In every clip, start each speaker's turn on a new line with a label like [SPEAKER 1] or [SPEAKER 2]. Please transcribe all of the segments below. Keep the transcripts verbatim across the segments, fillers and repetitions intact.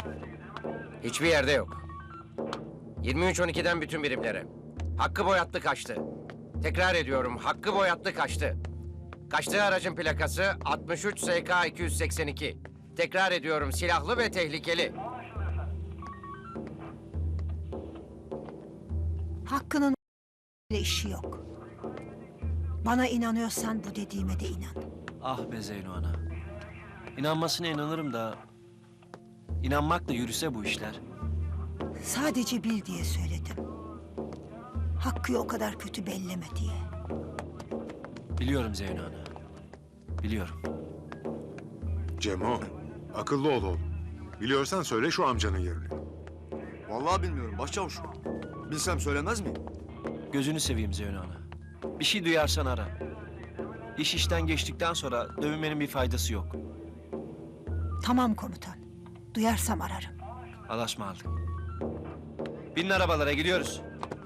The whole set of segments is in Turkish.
[SPEAKER 1] Hiçbir yerde yok. yirmi üç on ikiden bütün birimlere. Hakkı Boyatlı kaçtı. Tekrar ediyorum, Hakkı Boyatlı kaçtı. Kaçtığı aracın plakası altmış üç S K iki yüz seksen iki. Tekrar ediyorum, silahlı ve tehlikeli.
[SPEAKER 2] Hakkı'nın ile işi yok. Bana inanıyorsan bu dediğime de inan.
[SPEAKER 3] Ah be Zeyno ana. İnanmasına inanırım da... ...inanmakla yürüse bu işler.
[SPEAKER 2] Sadece bil diye söyledim. Hakkı'yı o kadar kötü belleme diye.
[SPEAKER 3] Biliyorum Zeyno ana. Biliyorum.
[SPEAKER 4] Cemo, akıllı ol oğlum. Biliyorsan söyle şu amcanın yerini.
[SPEAKER 5] Vallahi bilmiyorum başçavuş. Bilsem söylemez miyim?
[SPEAKER 3] Gözünü seveyim Zeyno ana. Bir şey duyarsan ara. İş işten geçtikten sonra dövünmenin bir faydası yok.
[SPEAKER 2] Tamam komutan. Duyarsam ararım.
[SPEAKER 3] Alaşma aldık. Binin arabalara gidiyoruz.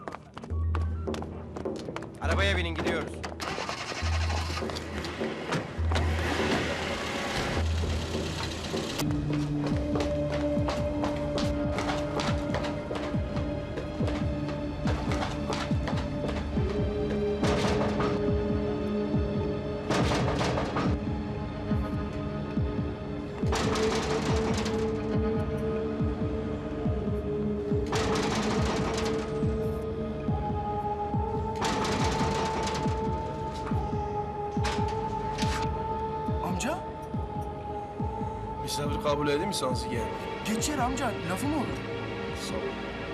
[SPEAKER 1] Arabaya binin, gidiyoruz.
[SPEAKER 5] Amca?
[SPEAKER 6] Misafir kabul edeyim mi sansı gel?
[SPEAKER 5] Geçer amca. Lafı mı olur?
[SPEAKER 6] Sağ ol.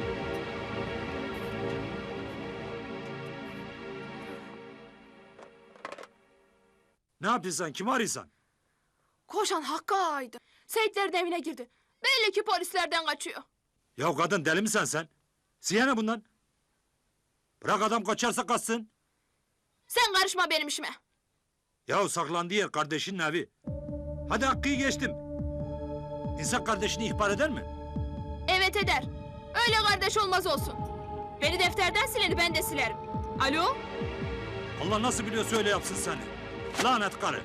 [SPEAKER 7] Ne yapıyorsun? Kimi arıyorsun?
[SPEAKER 8] Koşan Hakkı Ağa'ydı. Seyitlerin evine girdi. Belli ki polislerden kaçıyor.
[SPEAKER 7] Ya kadın deli misin sen? Siye ne bundan? Bırak adam kaçarsa kaçsın.
[SPEAKER 8] Sen karışma benim işime.
[SPEAKER 7] Ya saklandığı yer kardeşinin evi. Hadi Hakkı'yı geçtim. İnsan kardeşini ihbar eder mi?
[SPEAKER 8] Evet eder. Öyle kardeş olmaz olsun. Beni defterden sileni ben de silerim. Alo?
[SPEAKER 7] Allah nasıl biliyorsa öyle yapsın seni. Lanet karı.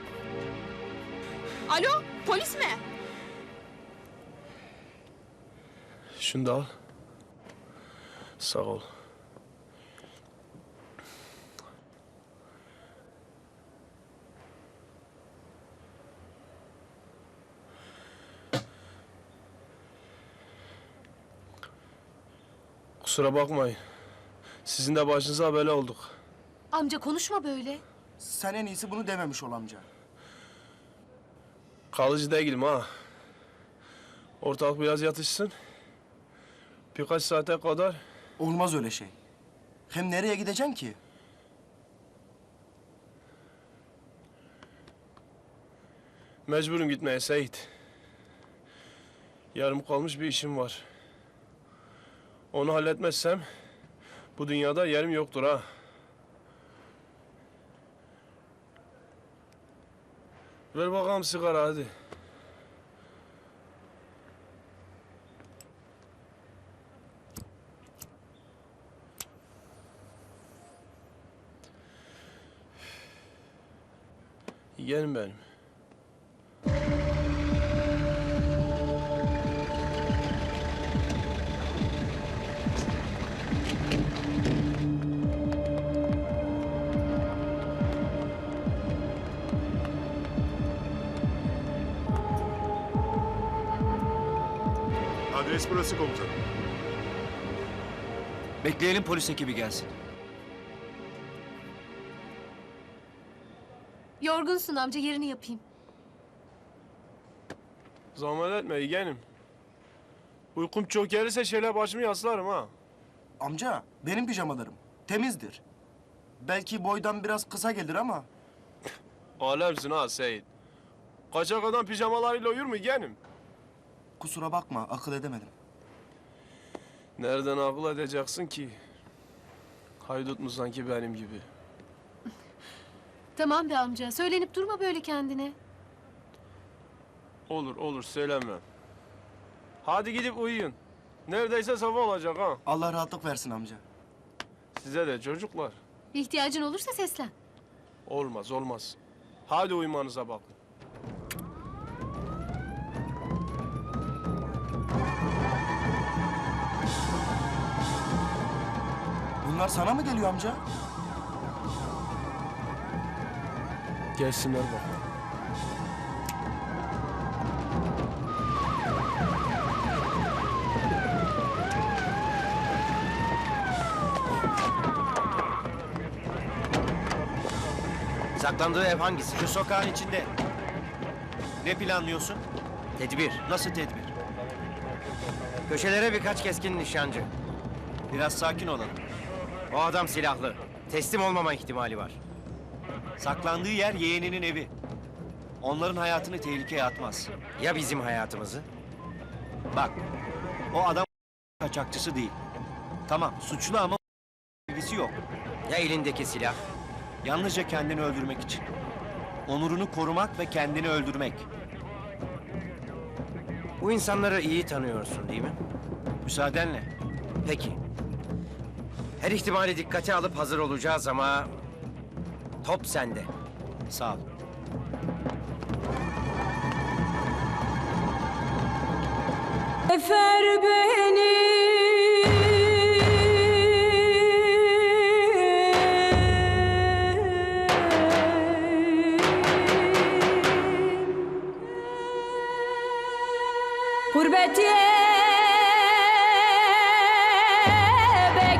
[SPEAKER 8] Alo? Polis mi?
[SPEAKER 6] Şunu da al. Sağ ol. Kusura bakmayın. Sizin de başınıza bela olduk.
[SPEAKER 9] Amca konuşma böyle.
[SPEAKER 5] Sen en iyisi bunu dememiş ol amca.
[SPEAKER 6] Kalıcı değilim ha. Ortalık biraz yatışsın. Birkaç saate kadar
[SPEAKER 5] Olmaz öyle şey. Hem nereye gideceksin ki?
[SPEAKER 6] mecburum gitmeye Seyit. Yarım kalmış bir işim var. Onu halletmezsem bu dünyada yerim yoktur ha. Ver bakalım sigara hadi. Yeğenim benim.
[SPEAKER 4] Adres burası komutanım.
[SPEAKER 3] Bekleyelim polis ekibi gelsin.
[SPEAKER 9] Yorgunsun amca, yerini yapayım.
[SPEAKER 6] Zahmet etme yeğenim. Uykum çok gelirse şöyle başımı yaslarım ha.
[SPEAKER 5] Amca benim pijamalarım. Temizdir. Belki boydan biraz kısa gelir ama...
[SPEAKER 6] Alemsin ha Seyit. Kaçak adam pijamalarıyla uyur mu yeğenim?
[SPEAKER 5] Kusura bakma akıl edemedim.
[SPEAKER 6] Nereden akıl edeceksin ki? Haydut mu sanki benim gibi?
[SPEAKER 9] Tamam be amca, söylenip durma böyle kendine.
[SPEAKER 6] Olur olur söylemem. Hadi gidip uyuyun. Neredeyse sabah olacak ha.
[SPEAKER 5] Allah rahatlık versin amca.
[SPEAKER 6] Size de çocuklar.
[SPEAKER 9] Bir ihtiyacın olursa seslen.
[SPEAKER 6] Olmaz olmaz. Hadi uyumanıza bakın.
[SPEAKER 5] Bunlar sana mı geliyor amca?
[SPEAKER 6] Gelsinler bakalım.
[SPEAKER 1] Saklandığı ev hangisi?
[SPEAKER 3] Şu sokağın içinde. Ne planlıyorsun?
[SPEAKER 1] Tedbir.
[SPEAKER 3] Nasıl tedbir?
[SPEAKER 1] Köşelere birkaç keskin nişancı.
[SPEAKER 3] Biraz sakin olalım.
[SPEAKER 1] O adam silahlı. Teslim olmama ihtimali var.
[SPEAKER 3] Saklandığı yer yeğeninin evi. Onların hayatını tehlikeye atmaz.
[SPEAKER 1] Ya bizim hayatımızı?
[SPEAKER 3] Bak, o adam kaçakçısı değil. Tamam, suçlu ama ilgisi yok.
[SPEAKER 1] Ya elindeki silah?
[SPEAKER 3] Yalnızca kendini öldürmek için. Onurunu korumak ve kendini öldürmek.
[SPEAKER 1] Bu insanları iyi tanıyorsun değil mi?
[SPEAKER 3] Müsaadenle.
[SPEAKER 1] Peki. Her ihtimali dikkate alıp hazır olacağız ama... top sende.
[SPEAKER 3] Sağ ol.
[SPEAKER 10] Efer beni Gurbet